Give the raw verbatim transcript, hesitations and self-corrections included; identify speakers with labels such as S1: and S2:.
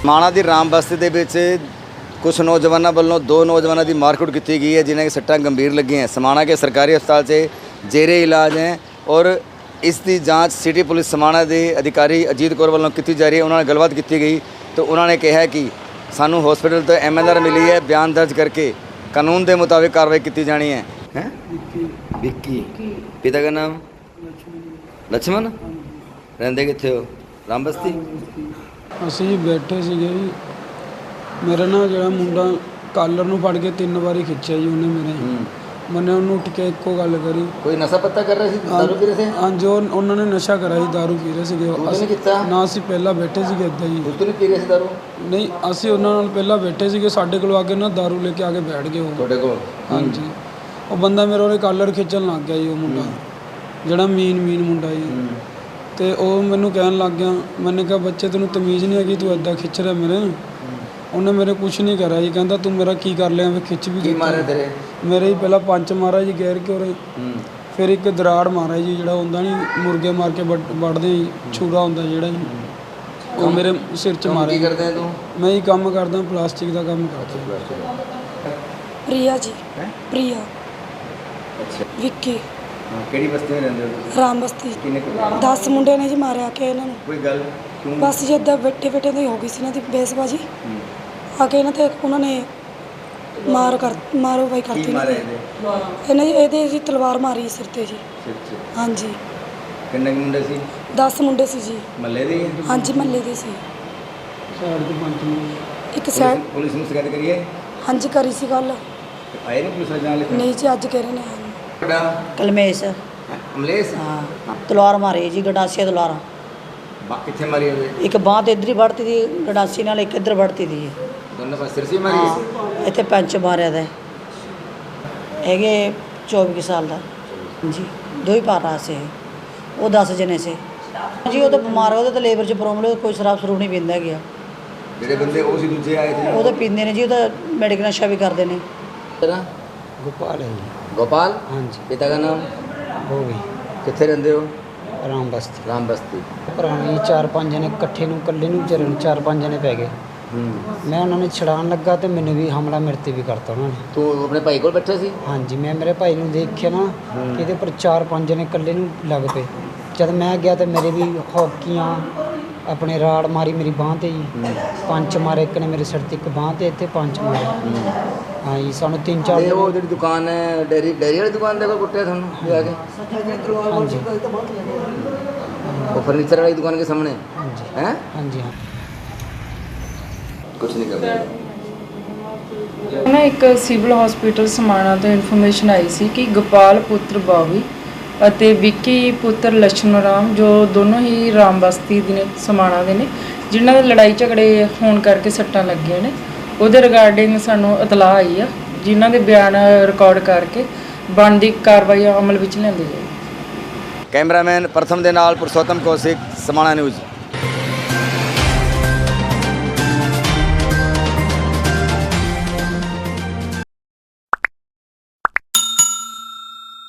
S1: ਮਾਣਾ ਦੀ ਰਾਮ ਬਸਤੀ ਦੇ ਵਿੱਚ कुछ नौजवानों वालों दो नौजवानों की मारकुट की गई है जिन्हें सट्टां गंभीर लगी हैं। समाणा के सरकारी अस्पताल से जेरे इलाज हैं और इसकी जांच सिटी पुलिस समाणा के अधिकारी अजीत कौर वालों की जा रही है। उन्होंने गलबात की गई तो उन्होंने कहा कि सानू हॉस्पिटल तो एम एल आर मिली है, बयान दर्ज करके कानून के मुताबिक कार्रवाई की जानी है। हैं विक्की पिता का नाम लक्ष्मण, रहंदे कित्थे हो? राम बस्ती।
S2: ਅਸੀਂ ਬੈਠੇ ਸੀਗੇ ਜੀ, मेरा ना जो मुंडा कालर ਨੂੰ ਫੜ ਕੇ ਤਿੰਨ ਵਾਰੀ ਖਿੱਚਿਆ ਜੀ ਉਹਨੇ ਮੇਰੇ। मैंने ਉਹਨੂੰ ਉੱਠ ਕੇ ਇੱਕੋ ਗੱਲ ਕਰੀ।
S1: ਕੋਈ ਨਸ਼ਾ ਪੱਤਾ ਕਰ ਰਹੇ ਸੀ, ਦਾਰੂ ਪੀ ਰਹੇ ਸੀ?
S2: ਹਾਂ ਜੋ ਉਹਨਾਂ ਨੇ ਨਸ਼ਾ ਕਰਾਇਆ ਸੀ, ਦਾਰੂ ਪੀ ਰਹੇ ਸੀਗੇ।
S1: ਅਸੀਂ ਕੀਤਾ
S2: ਨਾ ਅਸੀਂ ਪਹਿਲਾਂ ਬੈਠੇ ਸੀਗੇ ਇੱਦਾਂ ਜੀ।
S1: ਉਸ ਤੋਂ ਨਹੀਂ ਪੀ ਰਹੇ ਸੀ ਦਾਰੂ?
S2: ਨਹੀਂ ਅਸੀਂ ਉਹਨਾਂ ਨਾਲ ਪਹਿਲਾਂ ਬੈਠੇ ਸੀਗੇ, ਸਾਡੇ ਕੋਲ ਆ ਕੇ ਨਾ ਦਾਰੂ ਲੈ ਕੇ ਆ ਕੇ ਬੈਠ ਗਏ ਉਹ
S1: ਤੁਹਾਡੇ ਕੋਲ।
S2: ਹਾਂਜੀ ਉਹ ਬੰਦਾ ਮੇਰਾ ਉਹਦੇ ਕਾਲਰ ਖਿੱਚਣ ਲੱਗ ਗਿਆ ਜੀ, ਉਹ ਮੁੰਡਾ ਜਿਹੜਾ ਮੀਨ ਮੀਨ ਮੁੰਡਾ ਜੀ। ਤੇ ਉਹ ਮੈਨੂੰ ਕਹਿਣ ਲੱਗ ਗਿਆ, मैंने कहा ਬੱਚੇ ਤੈਨੂੰ ਤਮੀਜ਼ ਨਹੀਂ ਹੈਗੀ, ਤੂੰ ਇੱਦਾਂ ਖਿੱਚ ਰਿਹਾ ਮੇਰੇ। ਉਹਨੇ ਮੇਰੇ ਕੁਛ ਨਹੀਂ ਕਰਿਆ ਜੀ, ਕਹਿੰਦਾ ਤੂੰ ਮੇਰਾ ਕੀ ਕਰ ਲਿਆ, ਮੈਂ ਖਿੱਚ ਵੀ ਦਿੱਤਾ।
S1: ਮਾਰੇ ਤੇਰੇ? ਮੇਰੇ
S2: ਹੀ ਪਹਿਲਾਂ ਪੰਜ ਮਾਰਾ ਜੀ ਗੈਰ ਕੇ ਉਰੇ, ਫਿਰ ਇੱਕ ਦਰਾੜ ਮਾਰਿਆ ਜੀ, ਜਿਹੜਾ ਹੁੰਦਾ ਨਹੀਂ ਮੁਰਗੇ ਮਾਰ ਕੇ ਵੱਢਦੇ ਜੀ, ਛੁਰਾ ਹੁੰਦਾ ਜਿਹੜਾ ਜੀ, ਉਹ ਮੇਰੇ ਸਿਰ 'ਚ ਮਾਰਿਆ।
S1: ਕੀ ਕਰਦੇ ਤੂੰ?
S2: ਮੈਂ ਹੀ ਕੰਮ ਕਰਦਾ, ਪਲਾਸਟਿਕ ਦਾ ਕੰਮ ਕਰਦਾ।
S3: ਪ੍ਰਿਆ ਜੀ। ਪ੍ਰਿਆ।
S1: ਅੱਛਾ
S3: ਵਿੱਕੀ।
S1: ਕਿਹੜੀ ਬਸਤੀ ਵਿੱਚ ਰਹਿੰਦੇ ਹੋ?
S3: ਰਾਮ ਬਸਤੀ।
S1: ਕਿੰਨੇ
S3: ਦਸ ਮੁੰਡੇ ਨੇ ਜੀ ਮਾਰਿਆ ਕੇ ਇਹਨਾਂ ਨੂੰ।
S1: ਕੋਈ ਗੱਲ ਕਿਉਂ?
S3: ਬਸ ਜੀ ਇੱਦਾਂ ਬੈਠੇ ਬੈਠੇ ਦੀ ਹੋ ਗਈ ਸੀ ਇਹਨਾਂ ਦੀ ਬੇਸਬਾਜੀ, ਆ ਕੇ ਇਹਨਾਂ ਤੇ ਉਹਨਾਂ ਨੇ ਮਾਰ ਕਰ ਮਾਰੋ ਬਾਈ ਕਰਤੀ ਇਹਨਾਂ ਨੇ। ਇਹਨਾਂ ਜੀ ਇਹਦੇ ਜੀ ਤਲਵਾਰ ਮਾਰੀ ਸਿਰ ਤੇ ਜੀ।
S1: ਸਿਰ 'ਚ?
S3: ਹਾਂਜੀ।
S1: ਕਿੰਨੇ ਮੁੰਡੇ ਸੀ?
S3: ਦਸ ਮੁੰਡੇ ਸੀ ਜੀ।
S1: ਮੱਲੇ ਦੇ?
S3: ਹਾਂਜੀ ਮਹੱਲੇ ਦੇ ਸੀ।
S2: ਸਾਈਡ ਤੇ ਪੰਜ ਮੁੰਡੇ।
S3: ਇੱਕ ਸਾਈਡ।
S1: ਪੁਲਿਸ ਨੂੰ ਸ਼ਿਕਾਇਤ ਕਰੀਏ?
S3: ਹਾਂਜੀ ਕਰੀ ਸੀ ਗੱਲ।
S1: ਆਏ ਨੇ ਪੁਲਿਸ ਵਾਲੇ ਨਾਲ?
S3: ਨਹੀਂ ਜੀ ਅੱਜ ਕਹਿ ਰਹੇ ਨੇ।
S1: ਤੁਹਾਡਾ
S4: ਕਲਮੇਸ਼।
S1: ਅਮਲੇਸ਼?
S4: ਹਾਂ ਤਲਵਾਰ ਮਾਰੀ ਜੀ, ਗੰਡਾਸੀਆਂ ਤਲਵਾਰਾਂ।
S1: ਬਾ ਕਿੱਥੇ ਮਾਰੀ ਹੋਵੇ?
S4: ਇੱਕ ਬਾਂਹ ਤੇ ਇੱਧਰ ਹੀ ਵੜਤੀ ਦੀ ਗੰਡਾਸੀ ਨਾਲ, ਇੱਕ ਇੱਧਰ ਵੜਤੀ ਦੀ।
S1: ਦੋਨੋਂ ਪਾਸੇ ਸਿਰ ਸੀ ਮਾਰੀ?
S4: ਹਾਂ ਇੱਥੇ ਪੰਚ ਮਾਰਿਆ ਦਾ ਹੈਗੇ ਚੌਵੀ ਕੁ ਸਾਲ ਦਾ ਜੀ। ਦੋ ਹੀ ਪਾਰ ਰਹਾ ਸੀ ਉਹ, ਦਸ ਜਣੇ ਸੀ ਜੀ। ਉਹ ਤਾਂ ਬਿਮਾਰ ਉਹਦੇ ਤਾਂ ਲੇਬਰ 'ਚ ਪ੍ਰੋਬਲਮ, ਕੋਈ ਸ਼ਰਾਬ ਸਰੂਬ ਨਹੀਂ ਪੀਂਦਾ ਗਿਆ।
S1: ਜਿਹੜੇ ਬੰਦੇ ਉਹ ਸੀ ਦੂਜੇ ਆਏ ਸੀ
S4: ਉਹ ਤਾਂ ਪੀਂਦੇ ਨੇ ਜੀ, ਉਹ ਤਾਂ ਮੈਡੀਕਲ ਨਸ਼ਾ ਵੀ ਕਰਦੇ ਨੇ।
S1: ਤੇਰਾ
S2: ਗੋਪਾਲ ਹੈ ਜੀ।
S1: गोपाल?
S2: हाँ जी।
S1: पिता का नाम?
S2: ਹੋ ਗਈ
S1: कितने रहते हो?
S2: ਰਾਮ ਬਸਤੀ।
S1: राम बस्ती।
S2: ਪੁਰਾਣੀ ਚਾਰ ਪੰਜ ਜਣੇ ਇਕੱਠੇ ਨੂੰ ਇਕੱਲੇ ਨੂੰ ਵਿਚਾਰੇ ਨੂੰ ਚਾਰ ਪੰਜ ਜਣੇ ਪੈ ਗਏ। ਮੈਂ ਉਹਨਾਂ ਨੂੰ ਛਡਾਉਣ ਲੱਗਾ ਤੇ ਮੈਨੂੰ ਵੀ ਹਮਲਾ ਮੇਰੇ 'ਤੇ ਵੀ ਕਰਤਾ ਉਹਨਾਂ ਨੇ।
S1: तू अपने भाई को बैठा सी?
S2: ਹਾਂਜੀ ਮੈਂ ਮੇਰੇ ਭਾਈ ਨੂੰ ਦੇਖਿਆ ਨਾ ਕਿ ਇਹਦੇ ਉੱਪਰ ਚਾਰ ਪੰਜ ਜਣੇ ਇਕੱਲੇ ਨੂੰ ਲੱਗ ਪਏ। ਜਦ ਮੈਂ ਗਿਆ ਤੇ ਮੇਰੇ ਵੀ ਹੌਕੀਆਂ ਆਪਣੇ ਰਾੜ ਮਾਰੀ ਮੇਰੀ ਬਾਂਹ 'ਤੇ ਜੀ। ਪੰਜ ਮਾਰੇ, ਇੱਕ ਨੇ ਮੇਰੇ ਸਿਰ 'ਤੇ, ਇੱਕ ਬਾਂਹ 'ਤੇ, ਇੱਥੇ ਪੰਜ ਮਾਰੇ। ਹਾਂ ਜੀ ਸਾਨੂੰ ਤਿੰਨ ਚਾਰ
S1: ਇਹ ਉਹ ਜਿਹੜੀ ਦੁਕਾਨ ਹੈ ਡੇਰੀ ਡੇਰੀ ਵਾਲੀ ਦੁਕਾਨ ਦੇ ਕੋਲ ਕੁੱਟਿਆ ਤੁਹਾਨੂੰ ਜਾ ਕੇ?
S2: ਹਾਂਜੀ
S1: ਉਹ ਫਰਨੀਚਰ ਵਾਲੀ ਦੁਕਾਨ के सामने है?
S2: ਹਾਂਜੀ ਹਾਂ।
S1: कुछ नहीं कर रहे
S5: ਨਾ ਇੱਕ ਸਿਵਲ ਹਸਪੀਟਲ ਸਮਾਣਾ ਤੋਂ ਇਨਫੋਰਮੇਸ਼ਨ ਆਈ ਸੀ ਕਿ ਗੋਪਾਲ ਪੁੱਤਰ ਬਾਵੀ ਅਤੇ ਵਿੱਕੀ ਪੁੱਤਰ ਲక్ష్మణ ਰਾਮ, ਜੋ ਦੋਨੋਂ ਹੀ ਰਾਮ ਬਸਤੀ ਦੇ ਨੇ, ਸਮਾਣਾ ਦੇ ਨੇ, ਜਿਨ੍ਹਾਂ ਦੇ ਲੜਾਈ ਝਗੜੇ ਹੋਣ ਕਰਕੇ ਸੱਟਾਂ ਲੱਗੀਆਂ ਨੇ। ਉਹਦੇ ਰਿਗਾਰਡਿੰਗ ਸਾਨੂੰ ਇਤਲਾਹ ਆਈ ਆ, ਜਿਨ੍ਹਾਂ ਦੇ ਬਿਆਨ ਰਿਕਾਰਡ ਕਰਕੇ ਬਣਦੀ ਕਾਰਵਾਈ ਅਮਲ ਵਿੱਚ ਲਿਆਂਦੀ ਜਾਏਗੀ।
S1: कैमरामैन प्रथम दे नाल पुरुषोत्तम कौशिक, समाणा न्यूज़।